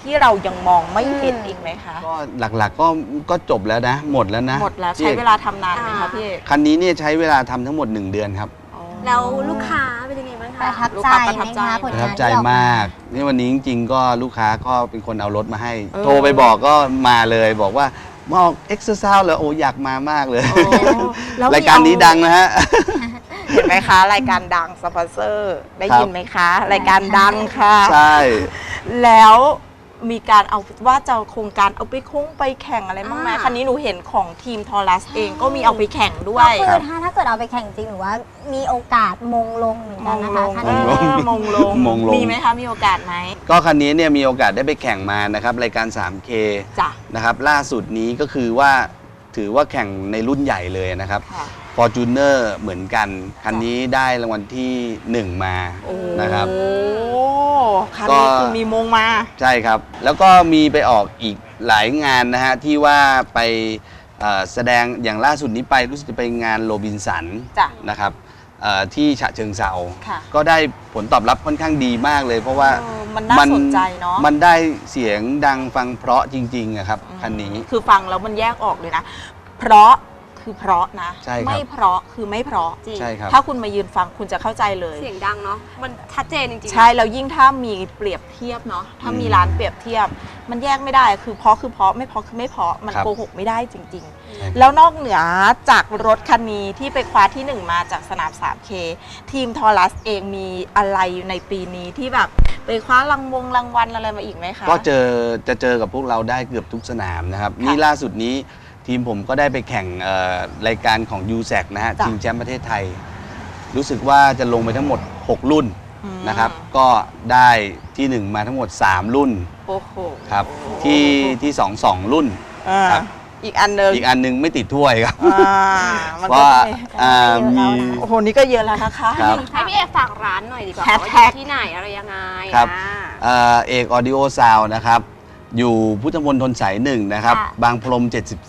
ที่เรายังมองไม่เห็นอีกไหมคะก็หลักๆก็จบแล้วนะหมดแล้วนะหมดแล้วใช้เวลาทำนานไหมคะพี่เอกคันนี้เนี่ยใช้เวลาทำทั้งหมด1 เดือนครับแล้วลูกค้าเป็นยังไงบ้างคะประทับใจไหมคะผลประงานทับใจที่ออกมากนี่วันนี้จริงๆก็ลูกค้าก็เป็นคนเอารถมาให้ โทรไปบอกก็มาเลยบอกว่ามาออกเอ็กซ์เซอร์เลยโอ้อยากมามากเลยรายการนี้ดังนะฮะเห็นไหมคะรายการดังสปอนเซอร์ได้ยินไหมคะรายการดังค่ะใช่แล้วมีการเอาว่าจะโครงการเอาไปคงไปแข่งอะไรบ้างไหมคันนี้หนูเห็นของทีมทอรัสเองก็มีเอาไปแข่งด้วยก็คือถ้าเกิดเอาไปแข่งจริงหรือว่ามีโอกาสมงลงเหมือนกันนะคะคันนี้มงลงมีไหมคะมีโอกาสไหมก็คันนี้เนี่ยมีโอกาสได้ไปแข่งมานะครับรายการ 3K จ้ะนะครับล่าสุดนี้ก็คือว่าถือว่าแข่งในรุ่นใหญ่เลยนะครับFortuner เหมือนกันคันนี้ได้รางวัลที่1มานะครับโอ้คันนี้คือมีมงมาใช่ครับแล้วก็มีไปออกอีกหลายงานนะฮะที่ว่าไปแสดงอย่างล่าสุดนี้ไปรู้สึกจะไปงานโรบินสันนะครับที่ฉะเชิงเทราก็ได้ผลตอบรับค่อนข้างดีมากเลยเพราะว่ามันน่าสนใจเนาะมันได้เสียงดังฟังเพราะจริงๆครับคันนี้คือฟังแล้วมันแยกออกเลยนะเพราะคือเพราะนะไม่เพราะคือไม่เพราะจริงถ้าคุณมายืนฟังคุณจะเข้าใจเลยเสียงดังเนาะมันชัดเจนจริงๆใช่แล้วยิ่งถ้ามีเปรียบเทียบเนาะถ้ามีร้านเปรียบเทียบมันแยกไม่ได้คือเพราะคือเพราะไม่เพราะคือไม่เพราะมันโกหกไม่ได้จริงๆแล้วนอกเหนือจากรถคันนี้ที่ไปคว้าที่1มาจากสนาม 3K ทีมทอรัสเองมีอะไรในปีนี้ที่แบบไปคว้ารางวัลอะไรมาอีกไหมคะก็จะเจอกับพวกเราได้เกือบทุกสนามนะครับนี่ล่าสุดนี้ทีมผมก็ได้ไปแข่งรายการของ USAC นะฮะชิงแชมป์ประเทศไทยรู้สึกว่าจะลงไปทั้งหมด6 รุ่นนะครับก็ได้ที่1มาทั้งหมด3 รุ่นโอ้โหครับที่2รุ่นครับอีกอันนึงไม่ติดถ้วยครับเพราะมีโอ้โหนี่ก็เยอะแล้วนะคะให้พี่เอกฝากร้านหน่อยดีกว่าว่าอยู่ที่ไหนอะไรยังไงครับเอกออดิโอซาวนะครับอยู่พุทธมณฑลสาย1นะครับบางพรม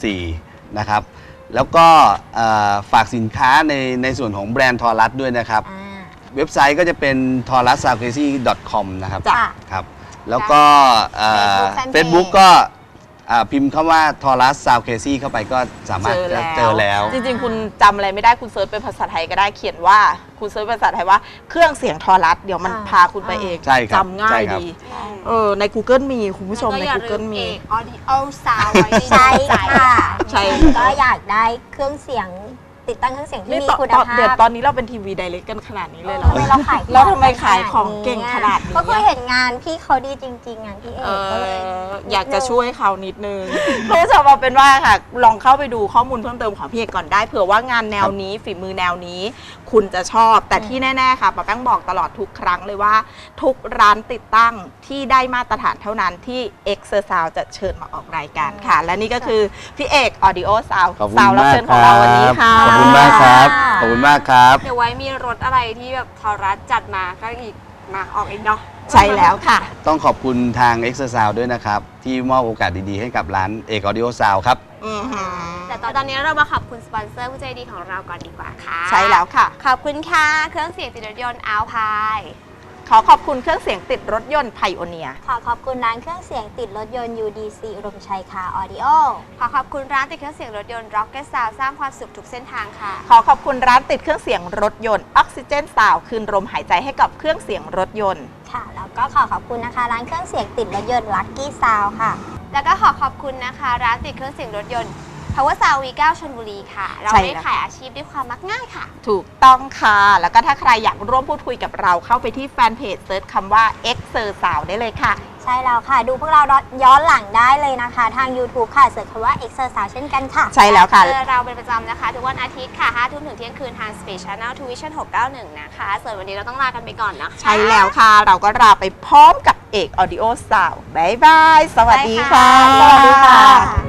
74นะครับแล้วก็ฝากสินค้าในส่วนของแบรนด์ทอรัสด้วยนะครับเว็บไซต์ก็จะเป็น torussoundcrazy.com นะครับครับแล้วก็Facebook ก็พิมพ์คำว่า Taurus Sound Crazy เข้าไปก็สามารถเจอแล้วจริงๆคุณจำอะไรไม่ได้คุณเซิร์ชเป็นภาษาไทยก็ได้เขียนว่าคุณเซิร์ชภาษาไทยว่าเครื่องเสียงทอรัสเดี๋ยวมันพาคุณไปเองจำง่ายดีใน Google มีคุณผู้ชมใน Google มี Audio Sound ไว้ใช่ค่ะใช่ก็อยากได้เครื่องเสียงติดตั้งเครื่องเสียงที่มีคุณภาพเดี๋ยวตอนนี้เราเป็นทีวีไดเรกกันขนาดนี้เลยเหรอเราทำไมขายของเก่งขนาดนี้ก็คือเห็นงานพี่เขาดีจริงๆงานพี่เอกก็เลยอยากจะช่วยเขานิดนึงคุณผู้ชมเอาเป็นว่าค่ะลองเข้าไปดูข้อมูลเพิ่มเติมของพี่เอกก่อนได้เผื่อว่างานแนวนี้ฝีมือแนวนี้คุณจะชอบแต่ที่แน่ๆค่ะป้าแป้งบอกตลอดทุกครั้งเลยว่าทุกร้านติดตั้งที่ได้มาตรฐานเท่านั้นที่ Exersound จะเชิญมาออกรายการค่ะและนี่ก็คือพี่เอก Audio Sound รับเชิญของเราวันนี้ค่ะขอบคุณมากครับขอบคุณมากครับเดี๋ยวไว้มีรถอะไรที่แบบทอรัสจัดมาก็อีกมาออกอีกเนาะใช่แล้วค่ะต้องขอบคุณทาง Exersound ด้วยนะครับที่มอบโอกาสดีๆให้กับร้านเอก Audio Sound ครับแต่ตอนนี้เรามาขอบคุณสปอนเซอร์ผู้ใจดีของเราก่อนดีกว่าค่ะใช่แล้วค่ะขอบคุณค่ะเครื่องเสียงติดรถยนต์อัลพายขอขอบคุณเครื่องเสียงติดรถยนต์ไพโอเนียขอขอบคุณร้านเครื่องเสียงติดรถยนต์ UDC อุดมชัยคาร์ออดิโอขอขอบคุณร้านติดเครื่องเสียงรถยนต์ Rocket Sound สร้างความสุขทุกเส้นทางค่ะขอขอบคุณร้านติดเครื่องเสียงรถยนต์ออกซิเจนซาวด์คืนลมหายใจให้กับเครื่องเสียงรถยนต์ค่ะแล้วก็ขอขอบคุณนะคะร้านเครื่องเสียงติดรถยนต์ Lucky Sound ค่ะแล้วก็ขอขอบคุณนะคะร้านติดเครื่องเสียงรถยนต์Power Sound V9 ชลบุรีค่ะเราได้ขายอาชีพด้วยความมักง่ายค่ะถูกต้องค่ะแล้วก็ถ้าใครอยากร่วมพูดคุยกับเราเข้าไปที่แฟนเพจเซิร์ชคำว่า Exersound ได้เลยค่ะใช่แล้วค่ะดูพวกเราย้อนหลังได้เลยนะคะทาง YouTube ค่ะเสิร์ชคำว่า Exersound เช่นกันค่ะใช่แล้วค่ะเราเป็นประจำนะคะทุกวันอาทิตย์ค่ะ5 ทุ่มถึงเที่ยงคืนทาง Space Channel Tuition 691นะคะส่วนวันนี้เราต้องลากันไปก่อนนะคะใช่แล้วค่ะเราก็ลาไปพร้อมกับเอก Audio Sound บ๊ายบายสวัสดีค่ะสวัสดีค่ะ